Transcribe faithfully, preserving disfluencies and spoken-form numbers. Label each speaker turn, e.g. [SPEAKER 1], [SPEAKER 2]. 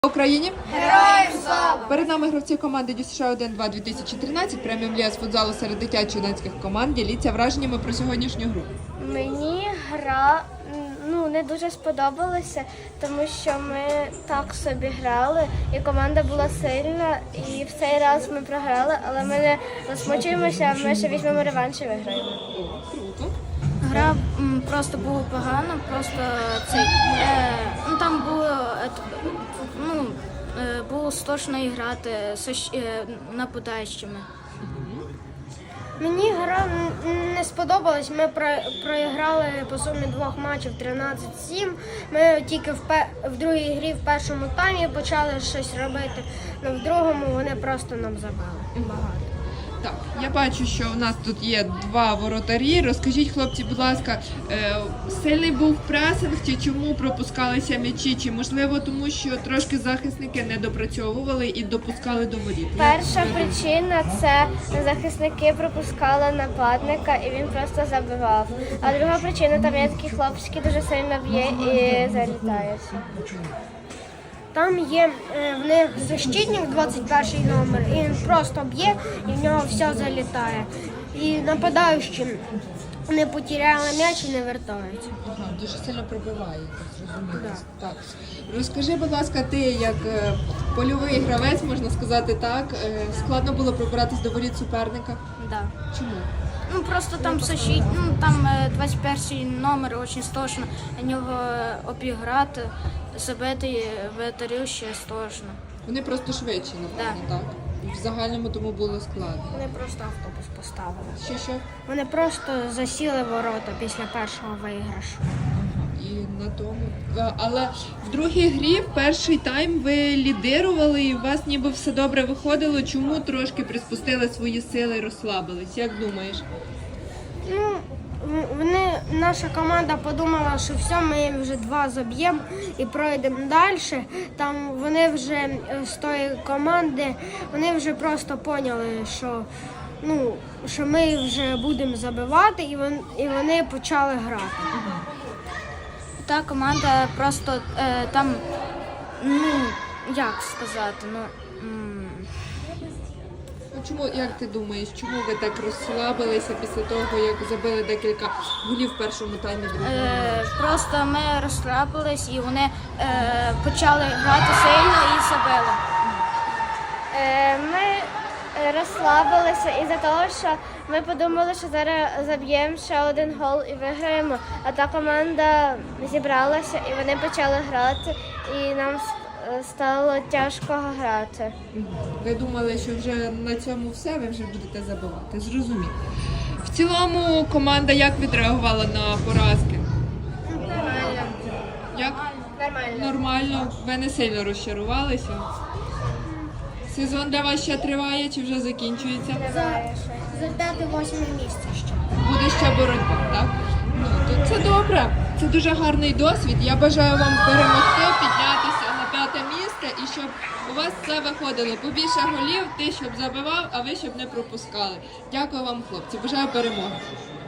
[SPEAKER 1] Україні!
[SPEAKER 2] Героям слава!
[SPEAKER 1] Перед нами гравці команди Ді С Ш один два дві тисячі тринадцять, преміум ліга з футзалу серед дитячо-юнацьких команд. Діліться враженнями про сьогоднішню гру.
[SPEAKER 2] Мені гра ну, не дуже сподобалася, тому що ми так собі грали, і команда була сильна, і в цей раз ми програли, але ми не засмучуємося, ми ще візьмемо реванш і виграємо.
[SPEAKER 1] Круто.
[SPEAKER 3] Гра м, просто була погана, просто цей, е, ну, там було, е, ну, е, було страшно грати з е, нападаючими.
[SPEAKER 2] Мені гра не сподобалась, ми проіграли по сумі двох матчів тринадцять сім. Ми тільки в, в другій грі в першому таймі почали щось робити, але в другому вони просто нам забили багато.
[SPEAKER 1] Так, я бачу, що у нас тут є два воротарі. Розкажіть, хлопці, будь ласка, е, сильний був пресинг, чи чому пропускалися м'ячі, чи можливо тому, що трошки захисники не допрацьовували і допускали до воріт?
[SPEAKER 2] Перша причина – це захисники пропускали нападника і він просто забивав. А друга причина – там є такий хлопець, який дуже сильно б'є і залітається. Там є е, в них защитник, двадцять перший номер, і він просто б'є, і в нього все залітає. І нападаючі не потеряли м'яч і не вертаються.
[SPEAKER 1] Ага, дуже сильно пробиває, зрозуміло. Так. Розкажи, будь ласка, ти як е, польовий гравець, можна сказати так, е, складно було пробиратись до воріт суперника?
[SPEAKER 3] Да.
[SPEAKER 1] Чому?
[SPEAKER 3] Ну, просто там защит, ну, там е, двадцять перший номер, дуже страшно, на нього е, обіграти, забити ветерів ще страшно.
[SPEAKER 1] Вони просто швидші, напевно, так? В загальному тому було складно.
[SPEAKER 2] Вони просто автобус поставили.
[SPEAKER 1] Що, що?
[SPEAKER 2] Вони просто засіли ворота після першого виграшу.
[SPEAKER 1] І на тому. А, Але в другій грі, в перший тайм, ви лідирували і у вас ніби все добре виходило. Чому трошки приспустили свої сили і розслабились? Як думаєш?
[SPEAKER 2] Ну, вони, наша команда подумала, що все, ми вже два заб'ємо і пройдемо далі. Там вони вже е, з тої команди, вони вже просто поняли, що, ну, що ми вже будемо забивати, і вони, і вони почали грати.
[SPEAKER 3] Та команда просто е, там, ну, як сказати, ну, м,
[SPEAKER 1] Ну, чому, як ти думаєш, чому ви так розслабилися після того, як забили декілька голів в першому таймі другому?
[SPEAKER 3] е, просто ми розслабились і вони е, почали грати сильно і забили.
[SPEAKER 2] Е, Ми розслабилися із-за того, що ми подумали, що зараз заб'ємо ще один гол і виграємо. А та команда зібралася і вони почали грати, і нам стало тяжко грати.
[SPEAKER 1] Ви думали, що вже на цьому все, ви вже будете забивати. Зрозуміло. В цілому команда як відреагувала на поразки?
[SPEAKER 2] Нормально.
[SPEAKER 1] Як?
[SPEAKER 2] Нормально.
[SPEAKER 1] Нормально. Ви не сильно розчарувалися? Сезон для вас ще триває чи вже закінчується?
[SPEAKER 2] За п'яте-восьме місце ще.
[SPEAKER 1] Буде ще боротьба, так? Ну, то це добре. Це дуже гарний досвід. Я бажаю вам перемогти, піднятися на п'яте місце і щоб у вас все виходило. Побільше голів, ти щоб забивав, а ви щоб не пропускали. Дякую вам, хлопці. Бажаю перемоги.